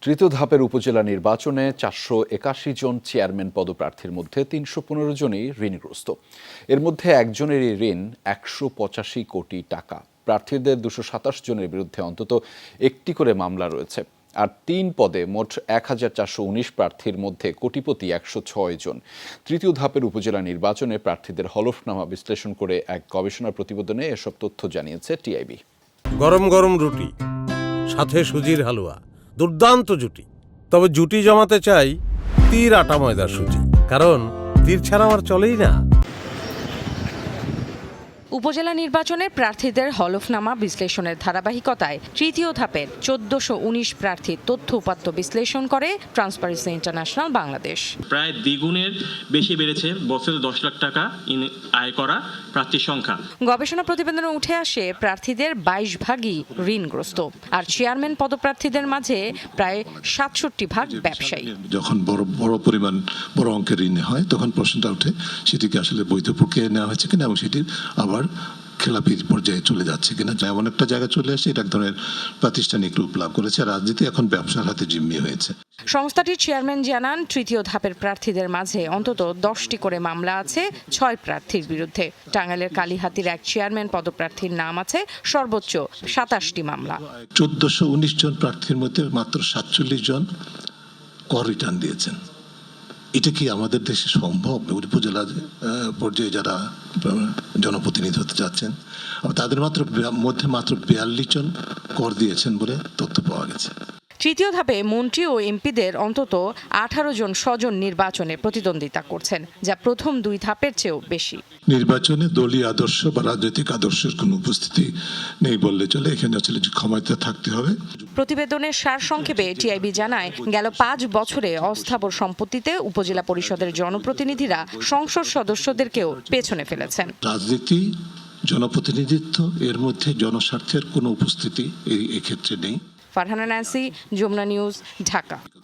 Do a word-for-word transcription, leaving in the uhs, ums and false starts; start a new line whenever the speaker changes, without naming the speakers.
তৃতীয় ধাপের উপজেলা নির্বাচনে চারশো একাশি জন চেয়ারম্যান পদপ্রার্থীর মধ্যে তিনশো পনেরো জনই ঋণগ্রস্ত। এর মধ্যে একজনেরই ঋণ একশো পঁচাশি কোটি টাকা। প্রার্থীদের দুশো সাতাশ জনের বিরুদ্ধে অন্তত একটি করে মামলা রয়েছে। আর তিন পদে মোট এক হাজার চারশো উনিশ প্রার্থীর মধ্যে কোটিপতি একশো ছয় জন। তৃতীয় ধাপের উপজেলা নির্বাচনে প্রার্থীদের হলফনামা বিশ্লেষণ করে এক গবেষণা প্রতিবেদনে এসব তথ্য জানিয়েছে টিআইবি।
গরম গরম রুটি, সাথে সুজির হালুয়া, দুর্দান্ত জুটি। তবে জুটি জমাতে চাই তীর আটা ময়দার সুজি, কারণ তীর ছাড়া আমার চলেই না।
উপজেলা নির্বাচনে প্রার্থীদের হলফনামা বিশ্লেষণের ধারাবাহিকতায় তৃতীয় ধাপের চোদ্দশো উনিশ প্রার্থীর তথ্য উপাত্ত বিশ্লেষণ করে ট্রান্সপারেন্সি ইন্টারন্যাশনাল বাংলাদেশ।
প্রায় দ্বিগুণের বেশি বেড়েছে বছরে দশ লাখ টাকা আয় করা প্রার্থীর সংখ্যা।
গবেষণা প্রতিবেদনে উঠে আসে প্রার্থীদের বাইশ ভাগই ঋণগ্রস্ত, আর চেয়ারম্যান পদপ্রার্থীদের মাঝে প্রায় সাতষট্টি ভাগ ব্যবসায়ী।
যখন বড় বড় পরিমাণ বড় অঙ্কের ঋণ হয় তখন প্রশ্নটা ওঠে সেটিকে আসলে বৈধ প্রক্রিয়ায় নেওয়া হয়েছে কিনা এবং সেটির আবার খেলাপি পর্যায়ে চলে যাচ্ছে কিনা। এমন একটা জায়গায় চলে আসে এটা এক ধরনের প্রাতিষ্ঠানিক রূপ লাভ করেছে। রাজনীতি এখন ব্যবসার হাতে জিম্মি হয়েছে।
সংস্থাটির চেয়ারম্যান জানান, তৃতীয় ধাপের প্রার্থীদের মাঝে অন্তত দশটি করে মামলা আছে ছয় প্রার্থীর বিরুদ্ধে। টাঙ্গাইলের কালীহাতির এক চেয়ারম্যান পদপ্রার্থীর নাম আছে সর্বোচ্চ সাতাশটি মামলা।
চোদ্দশো উনিশ জন প্রার্থীর মধ্যে মাত্র সাতচল্লিশ জন কর রিটার্ন দিয়েছেন। এটা কি আমাদের দেশে সম্ভব? উপজেলা পর্যায়ে যারা জনপ্রতিনিধি হতে যাচ্ছেন তাদের মাত্র মধ্যে মাত্র বিয়াল্লিশ জন কর দিয়েছেন বলে তথ্য পাওয়া গেছে।
তৃতীয় ধাপে মন্ত্রী ও এমপিদের অন্তত আঠারো জন স্বজন নির্বাচনে প্রতিদ্বন্দ্বিতা করছেন, যা প্রথম দুই ধাপের চেয়েও বেশি।
নির্বাচনে দলীয় আদর্শ বা রাজনৈতিক আদর্শের কোনো উপস্থিতি নেই বললে চলে। এখানে আসলে ক্ষমতা থাকতে হবে।
প্রতিবেদনের সারসংক্ষেপে টিআইবি জানায়, গেল পাঁচ বছরে অস্থাবর সম্পত্তিতে উপজেলা পরিষদের জনপ্রতিনিধিরা সংসদ সদস্যদেরকেও পেছনে ফেলেছেন।
রাজনীতি, জনপ্রতিনিধিত্ব, এর মধ্যে জনস্বার্থের কোনো উপস্থিতি এই ক্ষেত্রে নেই।
Farhana Nancy, Jamuna news, Dhaka.